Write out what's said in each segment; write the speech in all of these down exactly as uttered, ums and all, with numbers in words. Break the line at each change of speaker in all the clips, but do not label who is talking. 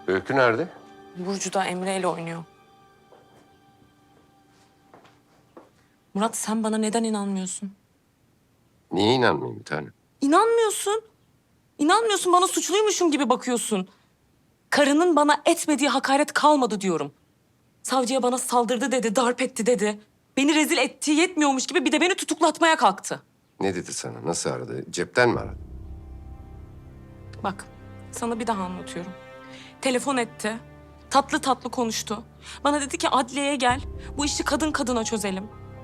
Öykü nerede?
Burcu da Emre ile oynuyor. Murat, sen bana neden inanmıyorsun?
Niye inanmayayım bir tanem?
İnanmıyorsun. İnanmıyorsun, bana suçluymuşum gibi bakıyorsun. Karının bana etmediği hakaret kalmadı diyorum. Savcıya bana saldırdı dedi, darp etti dedi. Beni rezil ettiği yetmiyormuş gibi bir de beni tutuklatmaya kalktı.
Ne dedi sana? Nasıl aradı? Cepten mi aradı?
Bak, sana bir daha anlatıyorum. Telefon etti, tatlı tatlı konuştu. Bana dedi ki adliyeye gel, bu işi kadın kadına çözelim.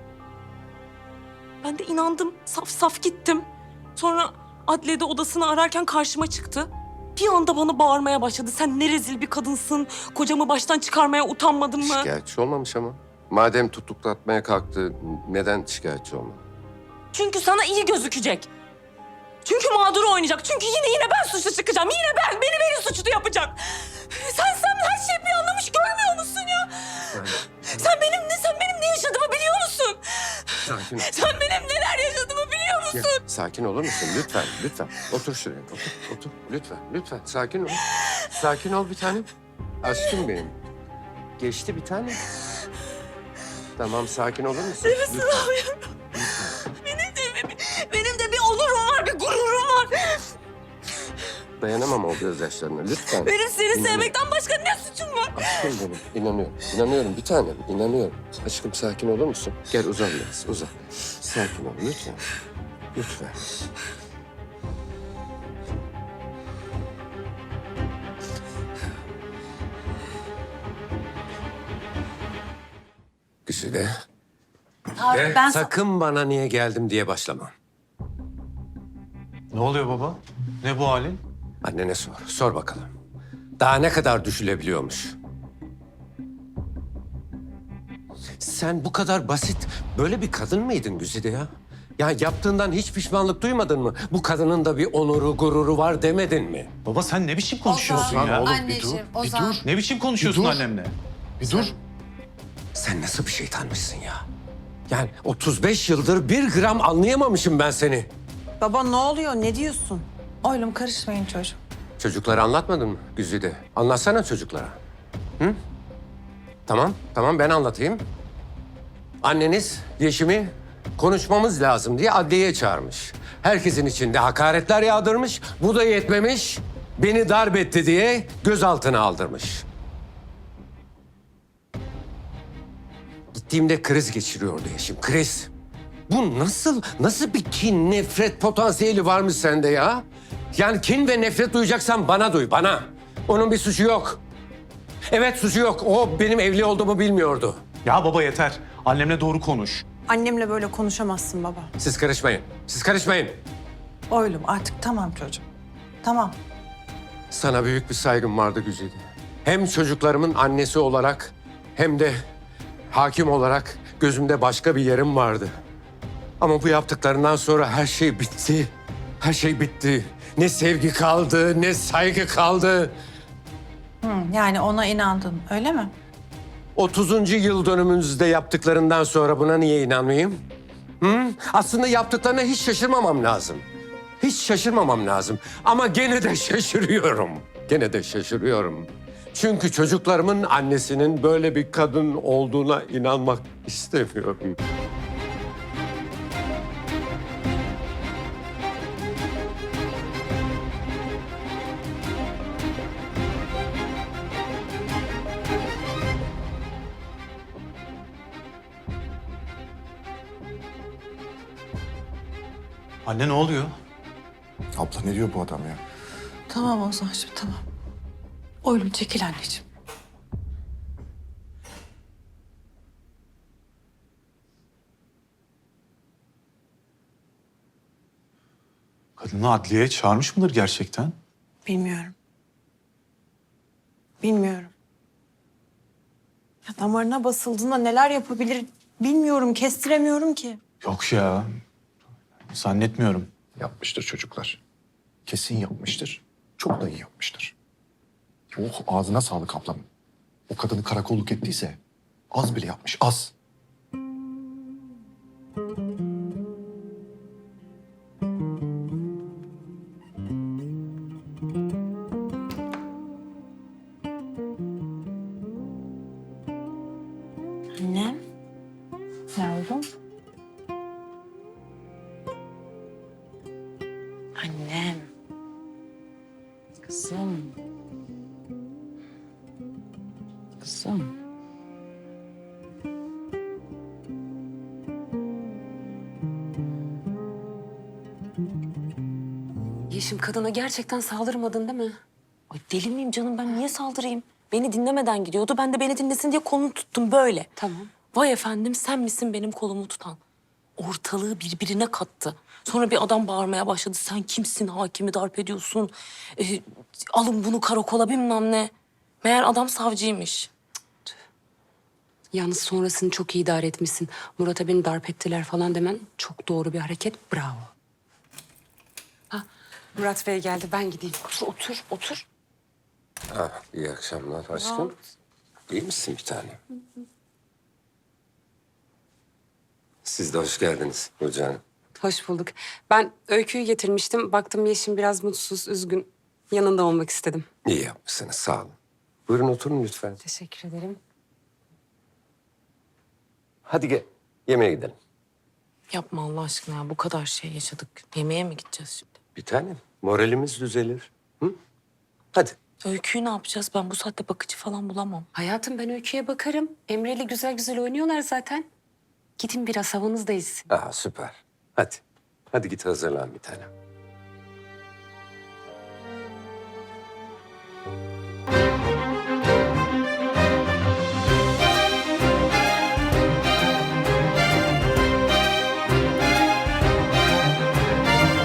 Ben de inandım, saf saf gittim. Sonra adliyede odasını ararken karşıma çıktı. Bir anda bana bağırmaya başladı. Sen ne rezil bir kadınsın, kocamı baştan çıkarmaya utanmadın mı?
Şikayetçi olmamış ama. Madem tutuklatmaya kalktı, neden şikayetçi olmadı?
Çünkü sana iyi gözükecek. Çünkü mağdur oynayacak. Çünkü yine yine ben suçlu çıkacağım. Yine ben. Beni beni suçlu yapacak. Sen sen her şeyi planlamış görmüyor musun ya? Sen benim ne sen benim ne yaşadığımı biliyor musun?
Sakin ol.
Sen benim neler yaşadığımı biliyor musun?
Ya, sakin olur musun? Lütfen, lütfen. Otur şuraya, otur, otur. Lütfen, lütfen. Sakin ol. Sakin ol bir tanem. Aşkım benim. Geçti bir tane. Tamam, sakin olur musun?
Nefesini alıyorum. Benim de, benim de bir onurum var, bir gururum var.
Dayanamam o gözyaşlarına, lütfen.
Benim seni
İnanıyorum.
sevmekten başka ne suçum var?
Aşkım benim, inanıyorum. İnanıyorum bir tanem, inanıyorum. Aşkım sakin olur musun? Gel uzan biraz, uzan. Sakin ol, lütfen. Lütfen. Güzide.
Abi
Ve
ben...
sakın bana niye geldim diye başlama.
Ne oluyor baba? Ne bu halin?
Annene sor, sor bakalım. Daha ne kadar düşülebiliyormuş? Sen bu kadar basit, böyle bir kadın mıydın Güzide ya? Ya yaptığından hiç pişmanlık duymadın mı? Bu kadının da bir onuru, gururu var demedin mi?
Baba sen ne biçim konuşuyorsun
Ozan,
ya?
oğlum, Anneciğim,
bir dur,
Ozan.
bir dur. Ne biçim konuşuyorsun
Bir dur.
annemle?
Bir dur.
Sen nasıl bir şeytanmışsın ya? Yani otuz beş yıldır bir gram anlayamamışım ben seni.
Baba ne oluyor? Ne diyorsun?
Oğlum karışmayın çocuğum.
Çocuklara anlatmadın mı Güzide? Anlatsana çocuklara. Hı? Tamam, tamam ben anlatayım. Anneniz Yeşim'i konuşmamız lazım diye adliyeye çağırmış. Herkesin içinde hakaretler yağdırmış. Bu da yetmemiş. Beni darp etti diye gözaltına aldırmış. Gittiğimde kriz geçiriyordu Yeşim, kriz. Bu nasıl, nasıl bir kin, nefret potansiyeli varmış sende ya? Yani kin ve nefret duyacaksan bana duy, bana. Onun bir suçu yok. Evet suçu yok. O benim evli olduğumu bilmiyordu.
Ya baba yeter. Annemle doğru konuş.
Annemle böyle konuşamazsın baba.
Siz karışmayın. Siz karışmayın.
Oğlum artık tamam çocuğum. Tamam.
Sana büyük bir saygım vardı Güzide. Hem çocuklarımın annesi olarak hem de hakim olarak gözümde başka bir yerim vardı. Ama bu yaptıklarından sonra her şey bitti. Her şey bitti. Ne sevgi kaldı, ne saygı kaldı.
Hı, yani ona inandın öyle mi?
otuzuncu yıl dönümünüzde yaptıklarından sonra buna niye inanmayayım? Hı? Aslında yaptıklarına hiç şaşırmamam lazım. Hiç şaşırmamam lazım. Ama gene de şaşırıyorum. Gene de şaşırıyorum. Çünkü çocuklarımın annesinin böyle bir kadın olduğuna inanmak istemiyorum.
Anne ne oluyor?
Abla ne diyor bu adam ya?
Tamam Ozan'cığım tamam. Oğlum çekil anneciğim.
Kadını adliyeye çağırmış mıdır gerçekten?
Bilmiyorum. Bilmiyorum. Ya damarına basıldığında neler yapabilir bilmiyorum, kestiremiyorum ki.
Yok ya. Zannetmiyorum.
Yapmıştır çocuklar. Kesin yapmıştır. Çok da iyi yapmıştır. Oh ağzına sağlık ablam. O kadını karakolluk ettiyse az bile yapmış, az.
Kızım. Kızım.
Yeşim, kadına gerçekten saldırmadın değil mi?
Ay deli miyim canım, ben niye saldırayım? Beni dinlemeden gidiyordu. Ben de beni dinlesin diye kolunu tuttum böyle.
Tamam.
Vay efendim, sen misin benim kolumu tutan? Ortalığı birbirine kattı. Sonra bir adam bağırmaya başladı. Sen kimsin, hakimi darp ediyorsun? Ee, alın bunu karakola bilmem ne. Meğer adam savcıymış.
Yalnız sonrasını çok iyi idare etmişsin. Murat'a beni darp ettiler falan demen çok doğru bir hareket. Bravo. Ha, Murat Bey geldi. Ben gideyim.
Otur, otur, otur.
Ah, iyi akşamlar aşkım. İyi misin bir tane? Siz de hoş geldiniz Burcu Hanım.
Hoş bulduk. Ben Öykü'yü getirmiştim. Baktım Yeşim biraz mutsuz, üzgün. Yanında olmak istedim.
İyi yapmışsınız, sağ olun. Buyurun oturun lütfen.
Teşekkür ederim.
Hadi gel, yemeğe gidelim.
Yapma Allah aşkına ya. Bu kadar şey yaşadık. Yemeğe mi gideceğiz şimdi?
Bir tanem, moralimiz düzelir. Hı? Hadi.
Öyküyü ne yapacağız? Ben bu saatte bakıcı falan bulamam.
Hayatım, ben Öykü'ye bakarım. Emre'yle güzel güzel oynuyorlar zaten. Gidin biraz havanız da ezsin.
Aa, süper. Hadi. Hadi git hazırlan bir tanem.